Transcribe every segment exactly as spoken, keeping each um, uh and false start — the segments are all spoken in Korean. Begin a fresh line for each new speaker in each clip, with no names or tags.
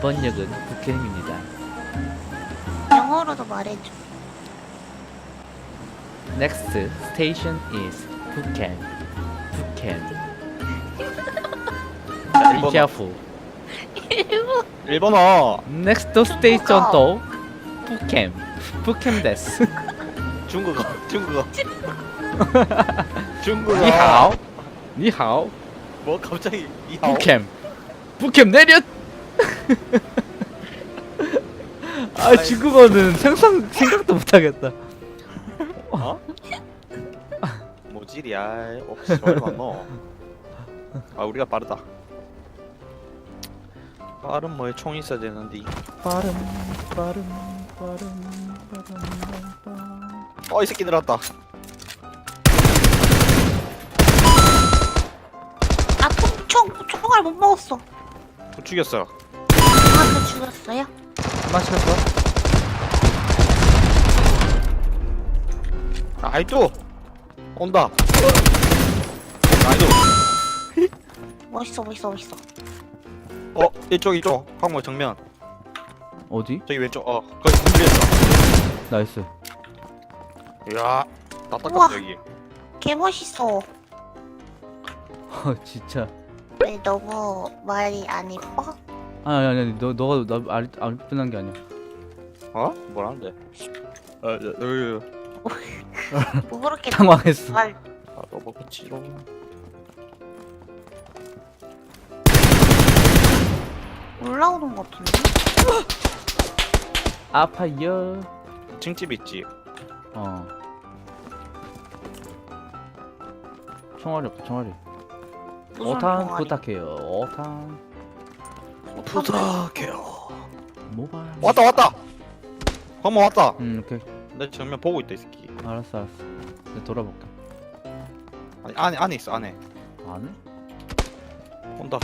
이번 역은 북캠입니다.
영어로도 말해줘.
Next station is 북캠. 북캠. Be careful.
일본.
일본어.
Next station 또 북캠. 북캠 데스.
중국어. 중국어. 중국어.
니하오. 니하오.
뭐 갑자기 니하오?
북캠. 북캠 내려. 아 중국어는 상상 생각도 못하겠다.
어? 뭐지리야? 없어. 저리 만너. 아 우리가 빠르다. 빠른 뭐에 총 있어야 되는데.
빠름 빠름 빠름 빠름 빠름.
어 이 새끼 들어왔다.
아, 총, 총, 총알 못 먹었어.
또 죽였어.
누구한테 죽였어요?
마시겠어?
아, 아이도 온다. 아이도.
멋있어, 멋있어, 멋있어.
어 이쪽 이쪽 황모 정면.
어디?
저기 왼쪽. 어 거기 준비했어.
나이스.
이야
우와.
답답해 여기.
개 멋있어.
어 진짜.
왜 너무 말이 안 이뻐?
아니 아니 아니 너 너가 나안 안 편한 게 아니야.
어? 뭐라는데? 어, 어, 어,
뭐 그렇게
당황했어.
말.
아, 너 먹었지롱.
올라오는 것 같은데?
아파요.
층집 있지.
어. 총알이 없다 총알이.
무슨
오탄
동아리?
부탁해요. 오탄.
부탁해요.
모바일.
왔다 왔다. 황모 왔다.
음 오케이.
내 정면 보고 있다 이 새끼.
알았어 알았어. 내가 돌아볼게.
아니 안에 안에 있어 안에.
안 해?
온다.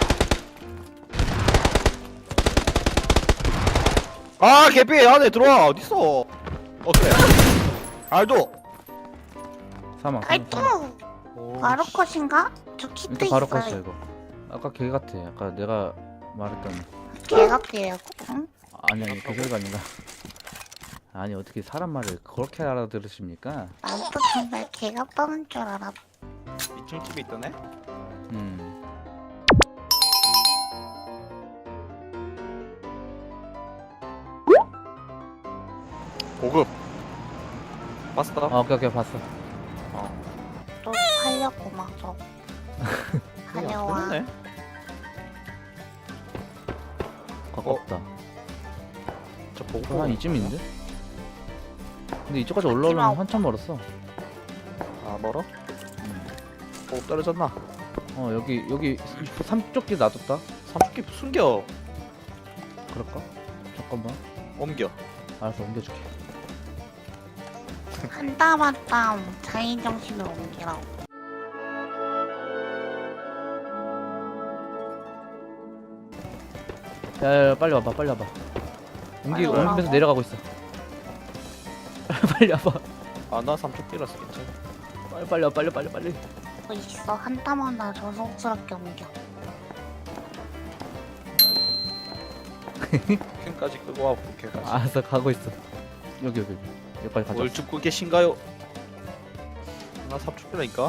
아 개피 안에 들어와 어딨어? 어 그래. 알도.
사망.
아이
사망,
또
사망.
오,
바로
씨.
컷인가? 저 키트
일단 바로
있어요.
껐어 이거. 아까 걔 같아. 아까 내가 말했던.
개 같아요. 응?
아니 아니 그 소리가 아니라. 아니 어떻게 사람 말을 그렇게 알아들으십니까?
나도 정말 개 같다는 줄 알았.
이 층집에 있더네.
음.
보급. 봤어?
아 오케이 오케이 봤어.
또 하려고 막 저. 하려와.
네
가깝다.
저 보급.
한 이쯤인데? 근데 이쪽까지 올라오려면 한참 멀었어.
아 멀어? 보급 떨어졌나?
어 여기 여기 삼쪽기 놔뒀다.
삼십기 숨겨.
그럴까? 잠깐만.
옮겨.
알았어 옮겨줄게.
한 땀 한 땀 자인 정신을 옮기라고.
야야야 빨리 와봐 빨리 와봐. 옮기
빨리
옮기면서
오라고?
내려가고 있어. 빨리 와봐.
아나 삼십기라서 괜찮아.
빨리 빨리 와 빨리 빨리 빨리.
뭐 있어 한 땀 하나 저속스럽게 옮겨.
캠까지 끄고 와 부캐까지.
알았어 가고 있어. 여기 여기 여기까지 가자.
뭘 죽고 계신가요? 나 삼십기라니까.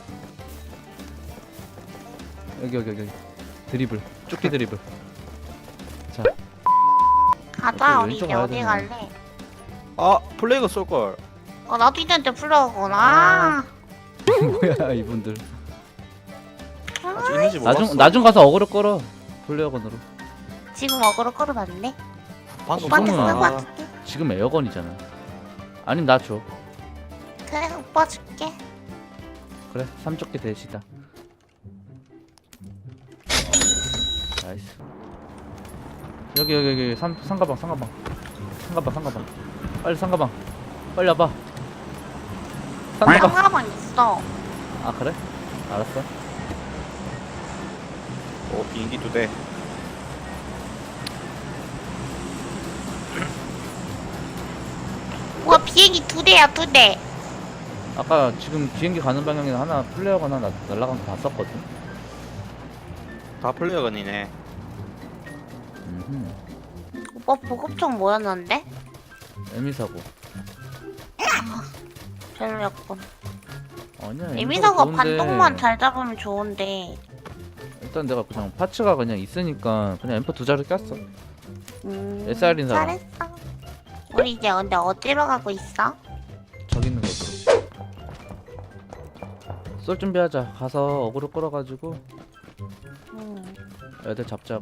여기 여기 여기 드리블 쫓기 드리블. 자
가자
어떻게
우리
왼쪽
이제
가야
어디
되나?
갈래?
아 플레이가 쏠 걸.
어 나도 있는데 불러오거나.
뭐야 이분들.
아직 있는지 몰랐어.
나중 나중 가서 어그로 끌어. 플레어건으로.
지금 어그로 끌어놨네.
방금
오빠한테
쏘는
쓰고
거야.
갈게.
지금 에어건이잖아. 아니면 나 줘.
그래 오빠 줄게.
그래 삼쪽기 대시다. 나이스. 여기 여기 여기 삼 상가방 상가방 상가방 상가방 빨리 상가방 빨리 와봐. 상가방.
상가방 있어.
아 그래? 알았어.
어 비행기 두 대.
우와 비행기 두 대야 두 대.
아까 지금 비행기 가는 방향에 하나 플레어가 하나 나- 날아간 거 봤었거든.
다 플레이어건이네.
음, 음,
오빠 보급총 뭐였는데?
에미 사고.
별로였군.
아니야.
에미 사고
좋은데.
반동만 잘 잡으면 좋은데.
일단 내가 그냥 파츠가 그냥 있으니까 그냥 엠포 두 자루 꼈어.
음,
에스알인 사람.
잘했어. 우리 이제 근데 어디로 가고 있어?
저기 있는 곳으로. 쏠 준비하자. 가서 어그로 끌어가지고
음.
애들 잡자고.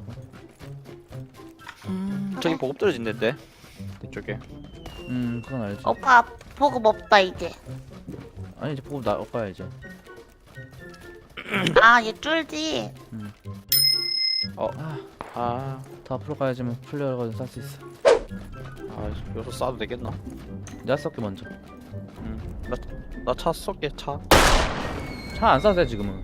저기 보급 떨어진댔데 이쪽에.
음, 그건 알지.
오빠 보급 없다 이제.
아니 이제 보고 나 오빠야 이제.
아, 얘 쫄지.
어.
아,
아,
더 앞으로 가야지만 플레이어가 쌀 수 있어.
아 여기서 쏴도 되겠나?
내가 쏠게 먼저.
응. 나나차 쏠게 차.
차 안 쏴도 돼 지금은.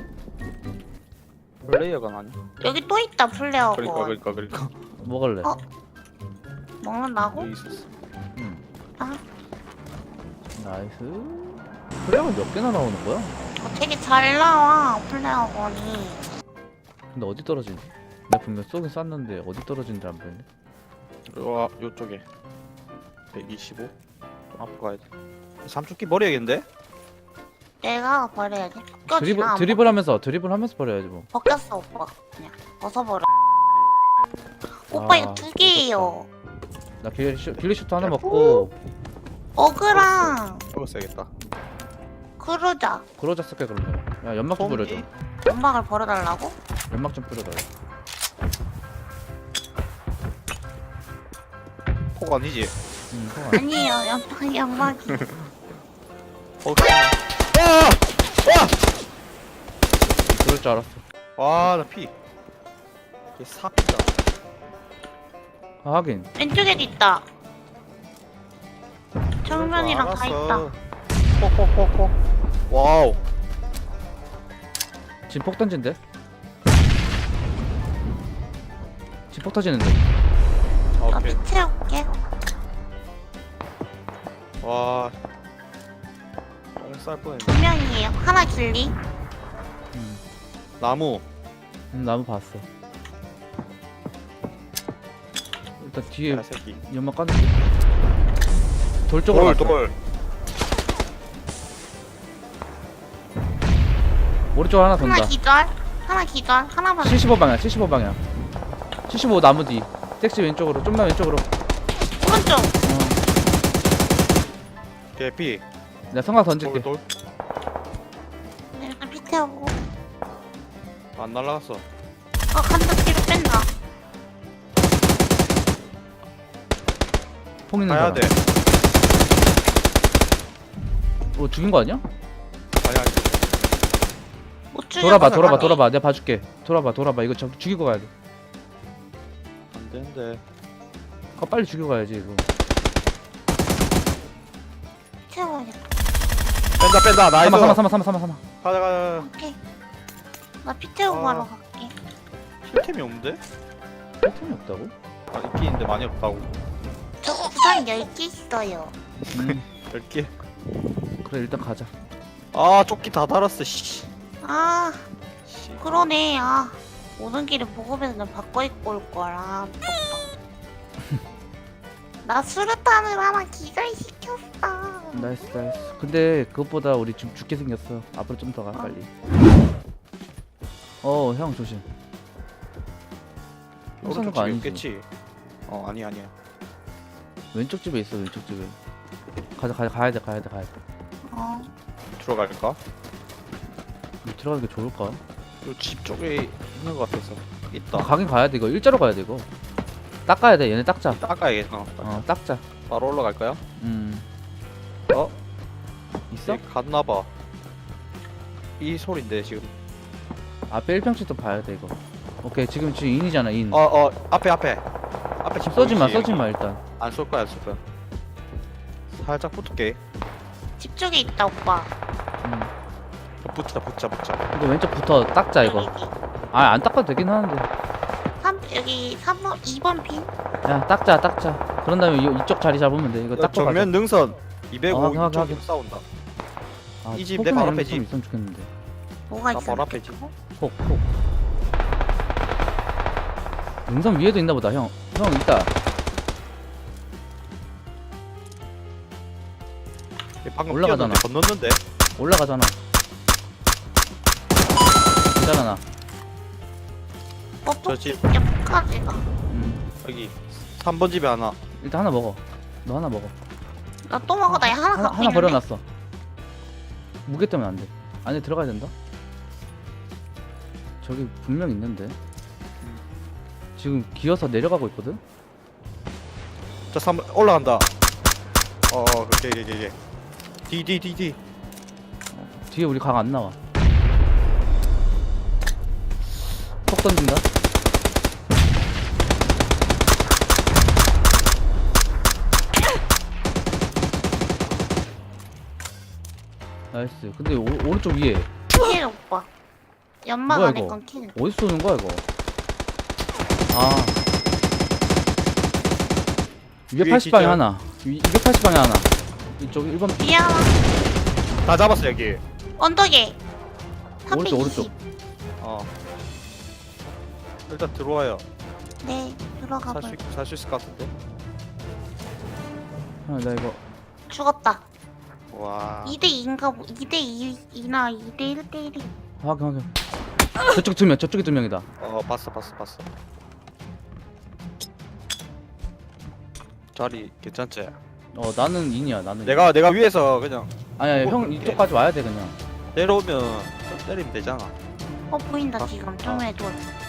플레이어가 아니야.
여기 또 있다 플레어건.
그러니까 그러니까 그러니까.
먹을래?
어? 먹는다고?
여기 있었어.
응.
아,
나이스. 플레이어가 몇 개나 나오는 거야?
어, 되게 잘 나와 플레어건이.
근데 어디 떨어지니? 내가 분명 쏘긴 쐈는데 어디 떨어진지 안 보이네.
요 요쪽에 백이십오. 좀 앞으로 가야 돼. 삼축기 버려야겠는데?
내가 버려야지.
드리블
벗겨지나?
드리블 하면서 드리블 하면서 버려야지 뭐.
벗겼어 오빠. 그냥 벗어버려. 오빠
아,
이거 두 개예요.
나 길리 길리슈트 하나 먹고
어그랑
이거 써야겠다.
그러자.
그러자 쓸게 그러면. 야 연막 좀 뿌려줘.
연막을 버려달라고?
연막 좀 뿌려달라.
폭 아니지?
응, 그거 아니야.
아니에요. 연막 연막이.
어. 와! 와!
그럴 줄 알았어.
와, 나 피. 이게 사피다.
아, 하긴.
왼쪽에도 있다. 정면이랑 다 있다.
폭폭폭폭. 와우.
지금 폭 던진대? 지금 폭 터지는데.
나
오케이.
피 채울게.
와. 오늘 쌀 뻔했네.
두 명이에요. 하나 길리.
음,
나무.
음 나무 봤어. 일단 뒤에
야, 새끼.
연막 깠는데. 돌 쪽으로
돌,
갔어.
돌.
오른쪽 하나 돈다.
하나 기절. 하나 기절. 하나만.
칠십오 방향, 칠십오 방향. 칠십오 나무 뒤. 택시 왼쪽으로, 좀만 왼쪽으로.
오른쪽.
어,
개피.
내가 성광
돌,
던질게.
돌.
네, 일단 피 채우고.
안 날라갔어.
어, 간다 뒤로 뺀다.
폭 있는
가야
사람.
돼.
어, 죽인 거 아니야?
아니, 아니.
못 죽여.
돌아봐,
가자,
돌아봐,
가자.
돌아봐. 내가 봐줄게. 돌아봐, 돌아봐. 이거 저, 죽이고 가야 돼.
안 되는데.
아, 빨리 죽이고 가야지, 이거.
채워야겠다.
뺀다, 뺀다. 나이스.
삼아, 삼아, 삼아, 삼아, 삼아, 삼아.
가자, 가자.
오케이. 나 피 채우고
아.
가러 갈게.
힐템이 없는데?
패턴이 없다고?
아, 있긴 있는데 많이 없다고.
저 구상 열 개 있어요.
음,
열 개.
그래, 일단 가자.
아, 조끼 다 달았어, 씨.
아,
씨.
그러네. 아, 오는 길에 보급에서 바꿔 입고 올 거라. 나 수류탄을 하나 기절시켰어.
나이스, 나이스. 근데 그것보다 우리 지금 죽게 생겼어. 앞으로 좀 더 가, 빨리. 어, 형 조심. 형 쏘는
오른쪽
거
집에
아니지?
없겠지? 어, 아니, 아니야.
왼쪽 집에 있어, 왼쪽 집에. 가자, 가자, 가야 돼, 가야 돼, 가야 돼.
어,
들어갈까?
이거 들어가는 게 좋을까?
요 집 쪽에 있는 것 같아서. 있다.
아, 가긴 가야 돼, 이거. 일자로 가야 돼, 이거. 닦아야 돼, 얘네 닦자.
닦아야겠다. 어,
어, 닦자.
바로 올라갈까요?
음.
어?
있어?
얘 갔나봐. 이 소린데 지금.
앞에 일 평씩도 봐야 돼, 이거. 오케이, 지금 지금 인이잖아, 인.
어, 어, 앞에, 앞에. 앞에 집
쏘지 마,
보이지?
쏘지 마, 일단.
안 쏠 거야, 안 쏠 거야. 살짝 붙을게.
집 쪽에 있다 오빠.
음.
붙자, 붙자, 붙자.
이거 왼쪽부터 닦자, 이거.
여기.
아, 안 닦아도 되긴 하는데.
삼 여기 삼 번 이 번 핀.
야, 닦자, 닦자. 그런 다음에 이, 이쪽 자리 잡으면 돼. 이거 닦고 가자.
정면 능선 이백오
어, 하긴,
이쪽
하긴.
싸운다.
아,
이집내
폭이나
바로
이런 거
앞에
좀
집.
있으면 좋겠는데.
뭐가
나
있어?
바로 앞에 집.
폭, 폭. 능선 위에도 있나 보다 형. 형 있다.
방금
올라가잖아.
뛰었는데 건넜는데.
올라가잖아. 기다려나.
저지.
뻑뻑이 끝까지가.
음.
여기 삼 번 집에 하나.
일단 하나 먹어. 너 하나 먹어.
나 또 먹어. 나 하나
하나,
갖고
하나
있는데.
버려놨어. 무게 때문에 안 돼. 안에 들어가야 된다. 저기 분명 있는데. 지금 기어서 내려가고 있거든.
자, 삼 올라간다. 어, 어, 그게 그게 그게. D D D D.
뒤에 우리 각 안 나와. 톡 던진다. 나이스. 근데 오, 오른쪽 위에
킬 오빠. 연막
뭐야,
안에
이거?
건 킬.
어디서 쏘는 거야 이거? 아 이백팔십 방에
기절.
하나, 이- 이백팔십 방에 하나. 이쪽 일 번
뒤에 하나.
다 잡았어 여기.
언덕에.
오른쪽,
삼백이십.
오른쪽.
어. 일단 들어와요.
네, 들어가 볼.
살수 살수 있을 것 같은데.
아, 나 이거
죽었다.
와.
이 대 이인가 보. 이 대 이나 이 대 일 대 일이.
확인 확인. 저쪽 두 명, 저쪽에 두 명이다.
어, 봤어 봤어 봤어. 자리 괜찮지?
어 나는 인이야 나는.
내가 내가 위에서 그냥
아니야
뭐
형
그렇게.
이쪽까지 와야 돼 그냥.
내려오면 좀 때리면 되잖아.
어 보인다
아,
지금
아.
좀 돌.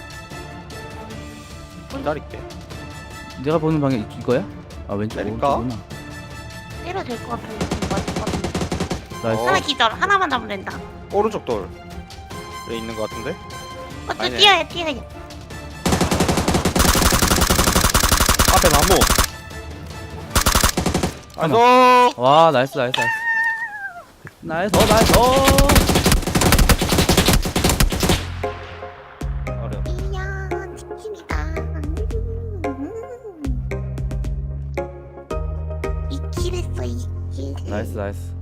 기다릴게.
내가 보는 방향 이- 이거야? 아 왼쪽
때릴까?
오른쪽구나.
때려 될 것 같은데 지금 맞을 것 같은데.
나이스.
어.
하나 기절. 하나만 잡으면 된다.
오른쪽 돌에 있는 것 같은데.
어째
아니네.
뛰어야 뛰어야.
앞에 나무.
하나.
나이스.
와 나이스 나이스 나이스. 나이스 어, 나이스. 어.
어려.
이야 치킨이다. 음. 이킬 했어 이킬.
나이스 나이스.